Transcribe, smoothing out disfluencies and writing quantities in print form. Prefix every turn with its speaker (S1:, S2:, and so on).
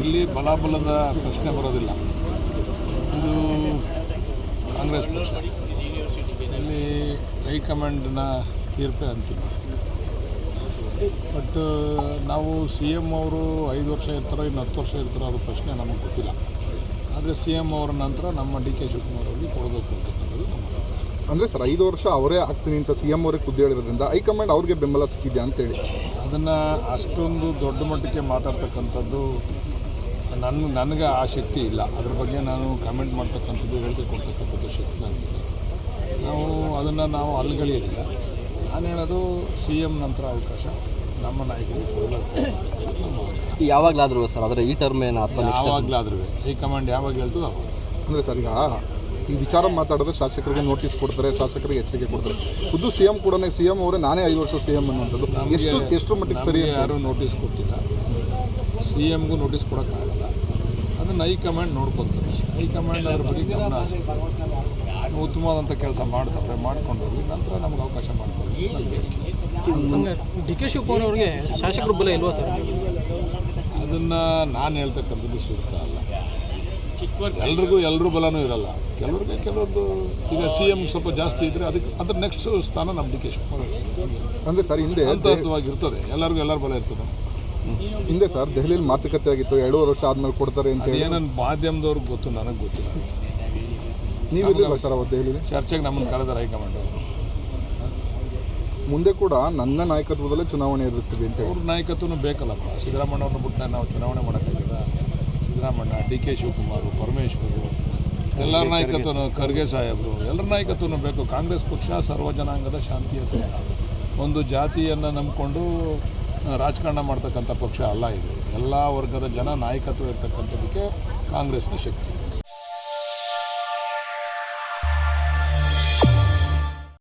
S1: ಇಲ್ಲಿ ಬಲಾಬಲದ ಪ್ರಶ್ನೆ ಬರೋದಿಲ್ಲ. ಇದು ಕಾಂಗ್ರೆಸ್ ಪಕ್ಷ, ಇಲ್ಲಿ ಹೈಕಮಾಂಡ್ನ ತೀರ್ಪೇ ಅಂತಿಮ. ಬಟ್ ನಾವು CM ಅವರು 5 ವರ್ಷ ಇರ್ತಾರೋ ಇನ್ನು 10 ವರ್ಷ ಇರ್ತಾರೋ ಅದು ಪ್ರಶ್ನೆ ನಮಗೆ ಗೊತ್ತಿಲ್ಲ. ಆದರೆ CM ಅವರ ನಂತರ ನಮ್ಮ DK ಶಿವಕುಮಾರ್ ಅವರಿಗೆ ಕೊಡಬೇಕು ಅಂತಕ್ಕಂಥದ್ದು ನಮ್ಮ
S2: ಅಂದರೆ ಸರ್ 5 ವರ್ಷ ಅವರೇ ಆಗ್ತೀನಿ ಅಂತ CM ಅವರೇ ಖುದ್ದು ಹೇಳಿರೋದ್ರಿಂದ ಹೈಕಮಾಂಡ್ ಅವ್ರಿಗೆ ಬೆಂಬಲ ಸಿಕ್ಕಿದೆ ಅಂತೇಳಿ
S1: ಅದನ್ನು ಅಷ್ಟೊಂದು ದೊಡ್ಡ ಮಟ್ಟಕ್ಕೆ ಮಾತಾಡ್ತಕ್ಕಂಥದ್ದು ನನಗೆ ಆ ಶಕ್ತಿ ಇಲ್ಲ. ಅದ್ರ ಬಗ್ಗೆ ನಾನು ಕಮೆಂಟ್ ಮಾಡ್ತಕ್ಕಂಥದ್ದು, ಹೇಳಿಕೆ ಕೊಡ್ತಕ್ಕಂಥದ್ದು ಶಕ್ತಿ ನನಗಿದೆ. ನಾವು ಅಲ್ಗಳಿಯೋದಿಲ್ಲ. ನಾನು ಹೇಳೋದು CM ನಂತರ ಅವಕಾಶ ನಮ್ಮ ನಾಯಕರಿಗೆ ಕೊಡಬೇಕು.
S3: ಯಾವಾಗಲಾದರೂ ಸರ್ ಅದರ ಈ ಟರ್ಮ್ ಏನು
S1: ಯಾವಾಗಲಾದ್ರೂ ಹೈಕಮಾಂಡ್ ಯಾವಾಗ ಹೇಳ್ತದೆ ಅವಾಗ.
S2: ಅಂದರೆ ಸರ್ ಈಗ ಈ ವಿಚಾರ ಮಾತಾಡಿದ್ರೆ ಶಾಸಕರಿಗೆ ನೋಟಿಸ್ ಕೊಡ್ತಾರೆ, ಶಾಸಕರಿಗೆ ಎಚ್ಚರಿಕೆ ಕೊಡ್ತಾರೆ. ಖುದ್ದು CM ಕೂಡ CM ಅವರೇ ನಾನೇ 5 ವರ್ಷ CM ಅನ್ನುವಂಥದ್ದು ಎಷ್ಟು ಮಟ್ಟಿಗೆ ಸರಿ?
S1: ಯಾರೂ ನೋಟಿಸ್ ಕೊಟ್ಟಿಲ್ಲ, CMಗೂ ನೋಟಿಸ್ ಕೊಡೋಕ್ಕಾಗಲ್ಲ. ಅದನ್ನು ಹೈಕಮಾಂಡ್ ನೋಡ್ಕೊತಾರೆ. ಹೈಕಮಾಂಡ್ ಅದ್ರ ಬಗ್ಗೆ ಗಮನ ಹರಿಸ್ತಾರೆ. ಉತ್ತಮವಾದಂಥ ಕೆಲಸ ಮಾಡ್ತಾರೆ, ಮಾಡ್ಕೊಂಡು ಹೋಗಿ ನಂತರ ನಮ್ಗೆ ಅವಕಾಶ ಮಾಡ್ತಾರೆ.
S4: DK ಶಿವಕುಮಾರ್ ಅವರಿಗೆ ಶಾಸಕರು ಬಲ ಇಲ್ವಾ ಸರ್?
S1: ಅದನ್ನು ನಾನು ಹೇಳ್ತಕ್ಕಂಥದ್ದು ಸೂಕ್ತ ಅಲ್ಲ. ಎಲ್ಲರೂ ಬಲನೂ ಇರಲ್ಲ. ಕೆಲವ್ರದ್ದು ಈಗ CM ಸ್ವಲ್ಪ ಜಾಸ್ತಿ ಇದ್ದರೆ ಅದಕ್ಕೆ ಅದ್ರ ನೆಕ್ಸ್ಟ್ ಸ್ಥಾನ ನಮ್ಮ DK ಶಿವಕುಮಾರ್.
S2: ಅಂದರೆ ಸರ್ ಹಿಂದೆ
S1: ಹಂತವಾಗಿರ್ತದೆ, ಎಲ್ಲರ ಬಲ ಇರ್ತದೆ.
S2: ಹಿಂದೆ ಸರ್ ದೆಹಲಿಯಲ್ಲಿ ಮಾತುಕತೆ ಆಗಿತ್ತು, 2 ವರ್ಷ ಆದಮೇಲೆ ಕೊಡ್ತಾರೆ ಅಂತ ಹೇಳಿ.
S1: ಏನನ್ನು ಮಾಧ್ಯಮದವ್ರಿಗೆ ಗೊತ್ತು, ನನಗೆ ಗೊತ್ತಿಲ್ಲ.
S2: ನೀವಿಲ್ಲ ಸರ್ ಅವತ್ತು ದೆಹಲಿಯಲ್ಲಿ
S1: ಚರ್ಚೆಗೆ ನಮ್ಮನ್ನು ಕರೆದಾರೆ ಹೈಕಮಾಂಡ್ ಅವರು.
S2: ಮುಂದೆ ಕೂಡ ನನ್ನ ನಾಯಕತ್ವದಲ್ಲೇ ಚುನಾವಣೆ ಎದುರಿಸ್ತೀವಿ ಅಂತ
S1: ಅವ್ರ ನಾಯಕತ್ವನೂ ಬೇಕಲ್ಲಪ್ಪ. ಸಿದ್ದರಾಮಯ್ಯವ್ರನ್ನ ಬಿಟ್ಟು ನಾವು ಚುನಾವಣೆ ಮಾಡೋಕ್ಕಾಗಿಲ್ಲ. ಸಿದ್ದರಾಮಯ್ಯ, DK ಶಿವಕುಮಾರ್, ಪರಮೇಶ್ವರು, ಎಲ್ಲರ ನಾಯಕತ್ವನೂ, ಖರ್ಗೆ ಸಾಹೇಬರು, ಎಲ್ಲರ ನಾಯಕತ್ವನೂ ಬೇಕು. ಕಾಂಗ್ರೆಸ್ ಪಕ್ಷ ಸರ್ವಜನಾಂಗದ ಶಾಂತಿಯುತ, ಒಂದು ಜಾತಿಯನ್ನು ನಂಬಿಕೊಂಡು ರಾಜಕಾರಣ ಮಾಡ್ತಕ್ಕಂಥ ಪಕ್ಷ ಅಲ್ಲ ಇದು. ಎಲ್ಲ ವರ್ಗದ ಜನ ನಾಯಕತ್ವ ಇರ್ತಕ್ಕಂಥದ್ದಕ್ಕೆ ಕಾಂಗ್ರೆಸ್ನ ಶಕ್ತಿ.